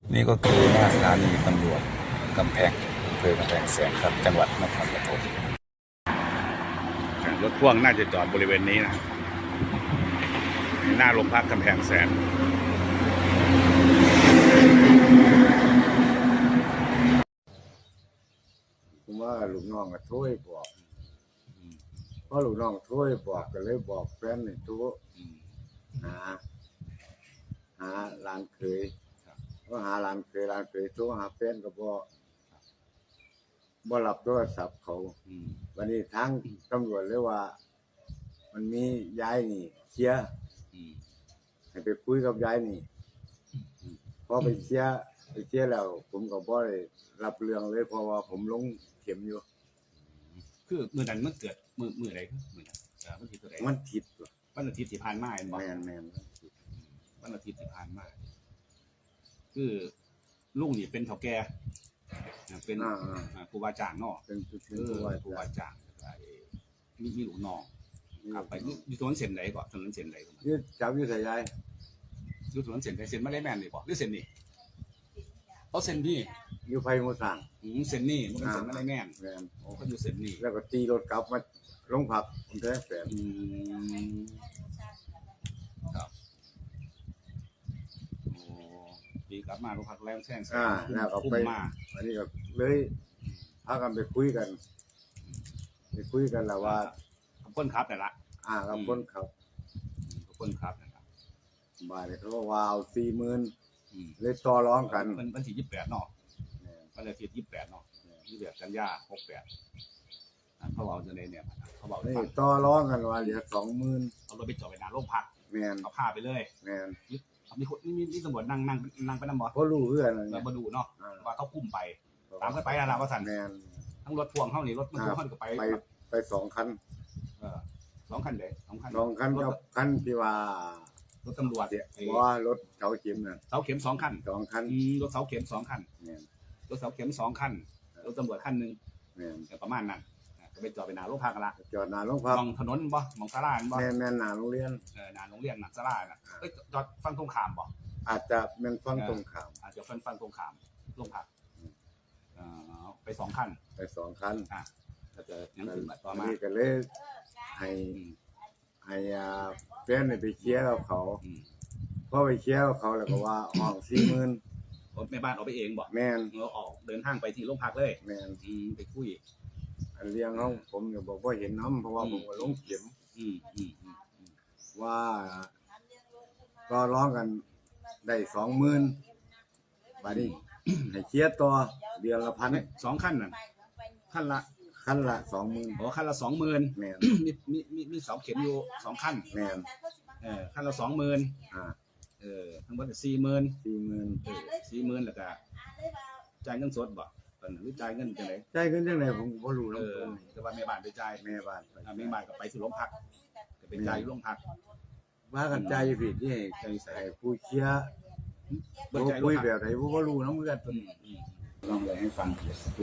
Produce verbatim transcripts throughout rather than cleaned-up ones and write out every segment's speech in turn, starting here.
นี่ก็คือหน้าสถานีตำรวจกำแพงอำเภอกำแพงแสนครับจังหวัดนครปฐมรถพ่วงน่าจะจอดบริเวณนี้นะหน้าโรงพักกำแพงแสนผมว่าลูกน้องก็โทรบอกเพราะลูกน้องโทรบอกก็เลยบอกแฟนนี่โทรหาหาหลานเคยก็หาหลานเคยหลานเคยโทรหาแฟนก็บ่บ่รับโทรศัพท์เขาวันนี้ทางตำรวจเลยว่า มันมียายนี่เคลียร์ให้ไปคุยกับยายนี่พอไปเคลียร์ไปเคลียร์แล้วผมก็บ่ได้รับเรื่องเลยเพราะว่าผมลงเข็มอยู่คือมือนั้นมันเกิดมือมืออะไรคือมือนั้นมันทิศอะไรมันทิศวันอาทิตย์ที่ผ่านมาเห็นบ่แม่นแม่นวันอาทิตย์ที่ผ่านมาคือลุงนี่เป็นเฒ่าแก่เป็นผู้ว่าจ้างเนาะเป็นผู้ว่าจ้างมีมีลูกน้องครับไปอยู่ถนนเส้นไหนก่อนถนนเส้นไหนก่อนยืดจับยืดใส่ยายอยู่ถนนเส้นไหนเส้นมาได้แม่นนี่บ่หรือเส้นนี่เขาเส้นนี่อยู่ไผหมู่สร้างอืมเส้นนี่มันเป็นเส้นมาได้แม่นแม่นโอ้เขาอยู่เส้นนี่แล้วก็ตีรถกลับมาลงพักผมแท้แฟนอืมครับโอ้ตีกลับมาลงพักแล้วแซงอ่าแล้วก็ไปอันนี้ก็เลยพากันไปคุยกันไปคุยกันแล้วว่าคนขับแต่ละอ่ากับคนขับคนขับนะครับบ่ายเขาก็ว่าเอาสี่หมื่นเลยต่อร้องกันมันวันที่ยี่สิบแปดเนาะวันอาทิตย์ยี่สิบแปดเนาะยี่สิบแปดกันยาหกแปดเขาบอกจะในเนี่ยเขาบอกนี่ต่อร้องกันว่าเหลือสองหมื่นเอารถไปจอดไปนานโรงพักแม่นเอาผ้าไปเลยแม่นมีคนมีมีตำรวจนั่งนั่งนั่งไปนำบ่เขารู้เพื่อนเรามาดูเนาะว่าเขาคุ้มไปตามกันไปนะว่าสั่นแม่นทั้งรถพ่วงเขานี่รถมันพ่วงเขาก็ไปไปไปสองคันเออสองคันเด้สองคันสองคันกับคันที่ว่ารถตำรวจว่ารถเสาเข็มน่ะเสาเข็มสองคันสองคันรถเสาเข็มสองคันรถเสาเข็มสองคันรถตำรวจคันหนึ่งประมาณนั้นก็ไปจอดไปหน้าโรงพักกันละจอดหน้าโรงพักมองถนนบ่มองศาลาบ่แม่นแม่นหน้าโรงเรียนเออหน้าโรงเรียนหน้าศาลาน่ะเอ้ยจอดฝั่งตรงข้ามบ่อาจจะแม่นฝั่งตรงข้ามอาจจะฝั่งฝั่งตรงข้ามโรงพักเอ่อไปสองคันไปสองคันอ่ะก็จะยังถึงแบบต่อมานี่ก็เลยให้ให้อ่าแฟนไปเคลียร์กับเขาพอไปเคลียร์กับเขาแล้วก็ว่าห้องสี่หมื่นแม่บ้านเอาไปเองบ่แม่นเราออกเดินทางไปที่โรงพักเลยแม่นอืมไปคุยอันเลี้ยงเขาผมก็บอกว่าเห็นน้ำเพราะว่าผมก็ลงเข็มอืมอืมว่าก็ร้องกันได้สองหมื่นบาทนี้ให้เคลียร์ต่อเดือนละพันสองขั้นน่ะขั้นละขั้นละสองหมื่นโอ้ขั้นละสองหมื่นแม่นมีมีมีมีเสาเข็มอยู่สองขั้นแม่นเออขั้นละสองหมื่นอ่าเออทั้งหมดสี่หมื่นสี่หมื่นเออสี่หมื่นแล้วก็จ่ายเงินสดบ่ตอนนั้นหรือจ่ายเงินจังได๋จ่ายเงินจังได๋ผมบ่รู้แล้วแต่ว่าแม่บ้านไปจ่ายแม่บ้านไปแม่บ้านก็ไปที่โรงพักก็ไปจ่ายโรงพักว่ากันจ่ายอยู่ผิดที่ให้ให้ผู้เคลียร์บ่คุยแบบไหนบ่รู้นำเหมือนกันลองเลยให้ฟังสักครู่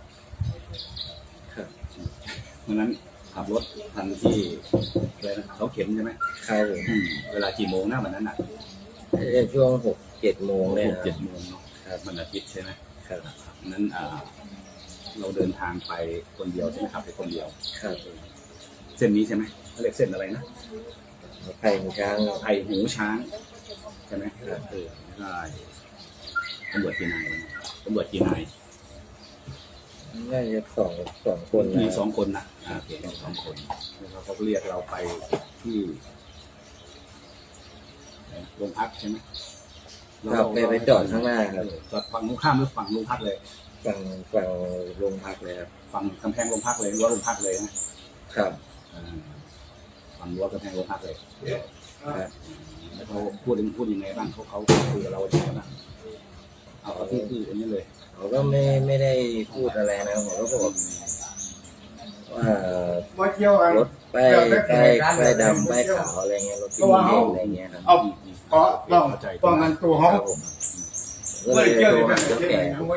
ครับเพราะนั้นขับรถทันที่เลยนะเขาเข็มใช่ไหมครับเวลากี่โมงนะวันนั้นอ่ะช่วงหกเจ็ดโมงเลยหกเจ็ดโมงเนาะวันอาทิตย์ใช่ไหมครับนั้นอ่าเราเดินทางไปคนเดียวใช่ไหมครับไปคนเดียวครับเส้นนี้ใช่ไหมเขาเรียกเส้นอะไรนะไผ่หูช้างไผ่หูช้างใช่ไหมครับเออใช่ตำรวจกี่นายตำรวจกี่นายน่าจะสองสองคนมีสองคนนะอ่าโอเคสองคนแล้วเขาเรียกเราไปที่โรงพักใช่ไหมเราไปไปจอดข้างหน้าครับจอดฝั่งตรงข้ามหรือฝั่งโรงพักเลยฝั่งฝั่งโรงพักเลยครับฝั่งกำแพงโรงพักเลยรั้วโรงพักเลยนะครับฝั่งรั้วกำแพงโรงพักเลยครับแล้วเขาพูดพูดยังไงบ้างเขาเขาคุยกับเราอย่างไรบ้างเอาที่ที่อันนี้เลยเขาก็ไม่ไม่ได้พูดอะไรนะผมก็บอกว่ารถไปไปไปดำไปขาวอะไรเงี้ยรถที่มีเด็กอะไรเงี้ยครับเอาเพราะต้องป้องกันตัวเขาก็เลยโทรหาเจ้าแก่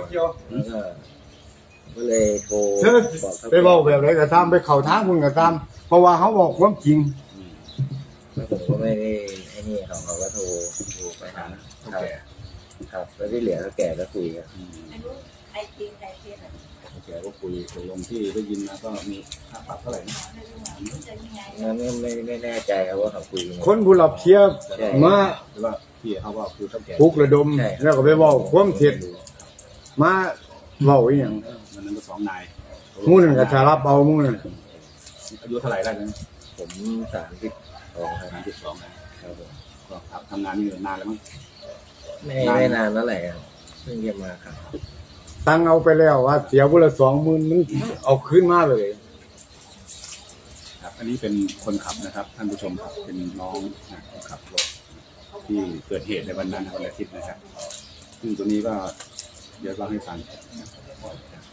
ก็เลยโทรบอกไปบอกแบบไหนก็ตามไปเข่าทางมึงก็ตามเพราะว่าเขาบอกความจริงแล้วผมก็ไม่ได้ไอ้นี่เขาเขาก็โทรโทรไปหาเจ้าแก่ครับแล้วที่เหลือก็แก่ก็คุยครับอืมใครจริงใครเท็จอ่ะโอเคก็คุยตกลงที่ได้ยินมาก็มีค่าปรับเท่าไหร่นะไม่รู้ว่ามันจะยังไงงั้นไม่ไม่แน่ใจครับว่าเขาคุยยังไงคนผู้รับเทียบใช่มาหรือว่าพี่เขาว่าคือเท่าแก่ปลุกระดมใช่แล้วก็ไปเว้าความเท็จมาเว้าอีหยังมันนั้นก็สองนายหมู่นั่นก็จะรับเอาหมู่นั่นอายุเท่าไหร่ได้นะผมสามสิบสองครับสามสิบสองนะครับผมก็ครับทำงานนี่นานแล้วมั้งไม่ไม่นานแล้วแหละครับเพิ่งเรียนมาครับตังเอาไปแล้วว่าเสียผู้ละสองหมื่นมันเอาคืนมาเลยครับอันนี้เป็นคนขับนะครับท่านผู้ชมครับเป็นน้องนะคนขับรถที่เกิดเหตุในวันนั้นวันอาทิตย์นะครับซึ่งตัวนี้ก็เดี๋ยวเล่าให้ฟัง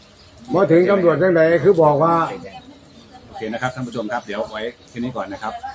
มาถึงตำรวจจังไดคือบอกว่าโอเคนะครับท่านผู้ชมครับเดี๋ยวไว้แค่นี้ก่อนนะครับ